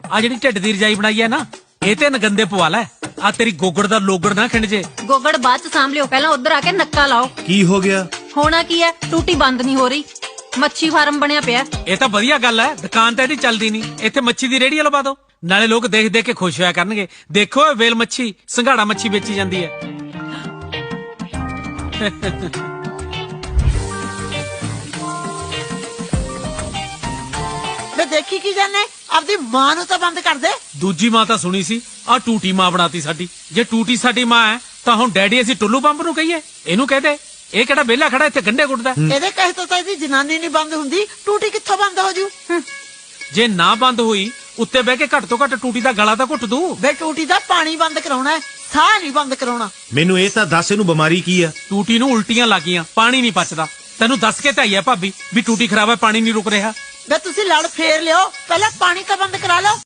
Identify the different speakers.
Speaker 1: ਆ ਜਿਹੜੀ ਢਿੱਡ ਦੀ ਰਜਾਈ ਬਣਾਈ ਹੈ ਨਾ ਇਹ ਤੇ ਨਗੰਦੇ ਪਵਾ ਲੈ ਆ ਤੇਰੀ ਗੋਗੜ ਦਾ ਲੋਗੜ ਨਾ ਖਿੰਡ ਜੇ
Speaker 2: ਗੋਗੜ ਬਾਅਦ ਚ ਸਾਂਭ ਲਿਓ ਪਹਿਲਾਂ ਉਧਰ ਆ ਕੇ ਨੱਕਾ ਲਾਓ
Speaker 3: ਕੀ ਹੋ ਗਿਆ
Speaker 2: ਹੋਣਾ ਕੀ ਹੈ ਟੂਟੀ ਬੰਦ ਨਹੀਂ ਹੋ ਰਹੀ ਮੱਛੀ ਫਾਰਮ ਬਣਿਆ ਪਿਆ
Speaker 1: ਇਹ ਤਾਂ ਵਧੀਆ ਗੱਲ ਹੈ ਦੁਕਾਨ ਤਾਂ ਇਹਦੀ ਚੱਲਦੀ ਨਹੀਂ ਇੱਥੇ ਮੱਛੀ ਦੀ ਰੇਹੜੀ ਲਵਾ ਦਿਓ ਨਾਲੇ ਲੋਕ ਦੇਖ ਦੇਖ ਕੇ ਖੁਸ਼ ਹੋਇਆ ਕਰਨਗੇ ਦੇਖੋ ਇਹ ਵੇਲ ਮੱਛੀ ਸੰਘਾੜਾ ਮੱਛੀ ਵੇਚੀ ਜਾਂਦੀ ਹੈ
Speaker 4: ਮੈਂ ਦੇਖੀ ਕੀ ਜਾਨੇ ਆਪਦੀ ਮਾਂ ਨੂੰ ਤਾਂ ਬੰਦ ਕਰ ਦੇ
Speaker 1: ਦੂਜੀ ਮਾਂ ਤਾਂ ਸੁਣੀ ਸੀ ਆ ਟੂਟੀ ਮਾਂ ਬਣਾਤੀ ਸਾਡੀ ਜੇ ਟੂਟੀ ਸਾਡੀ ਮਾਂ ਹੈ ਤਾਂ ਹੁਣ ਡੈਡੀ ਅਸੀਂ ਟੁੱਲੂ ਪੰਪ ਨੂੰ ਕਹੀਏ ਇਹਨੂੰ ਕਹਦੇ ਇਹ ਕਿਹੜਾ ਵਿਹਲਾ ਖੜਾ ਇੱਥੇ ਗੰਢੇ ਗੁੱਟਦਾ
Speaker 4: ਇਹਦੇ ਕਹੇ ਤੋਂ ਤਾਂ ਇਹਦੀ ਜਨਾਨੀ ਨਹੀਂ ਬੰਦ ਹੁੰਦੀ ਟੂਟੀ ਕਿੱਥੋਂ ਬੰਦ ਹੋ ਜੂ
Speaker 1: ਜੇ ਨਾ ਬੰਦ ਹੋਈ ਉੱਤੇ ਬਹਿ ਕੇ ਘੱਟ ਤੋਂ ਘੱਟ ਟੂਟੀ ਦਾ ਗਲਾ ਤਾਂ ਘੁੱਟ ਦੂ
Speaker 4: ਬੇ ਟੂਟੀ ਦਾ ਪਾਣੀ ਬੰਦ ਕਰਾਉਣਾ ਹੈ ਸਾਹ ਨਹੀਂ ਬੰਦ ਕਰਾਉਣਾ
Speaker 3: ਮੈਨੂੰ ਇਹ ਤਾਂ ਦੱਸ ਇਹਨੂੰ ਬਿਮਾਰੀ ਕੀ ਆ
Speaker 1: ਟੂਟੀ ਨੂੰ ਉਲਟੀਆਂ ਲੱਗੀਆਂ ਪਾਣੀ ਨਹੀਂ ਪਚਦਾ ਤੈਨੂੰ ਦੱਸ ਕੇ ਤਾਂ ਆਈ ਆ ਭਾਬੀ ਵੀ ਟੂਟੀ ਖਰਾਬ ਹੈ ਪਾਣੀ ਨਹੀਂ ਰੁਕ ਰਿਹਾ
Speaker 4: ਬੇ ਤੁਸੀਂ ਲੜ ਫੇਰ ਲਿਓ ਪਹਿਲਾਂ ਪਾਣੀ ਤਾਂ ਬੰਦ ਕਰਾ ਲਓ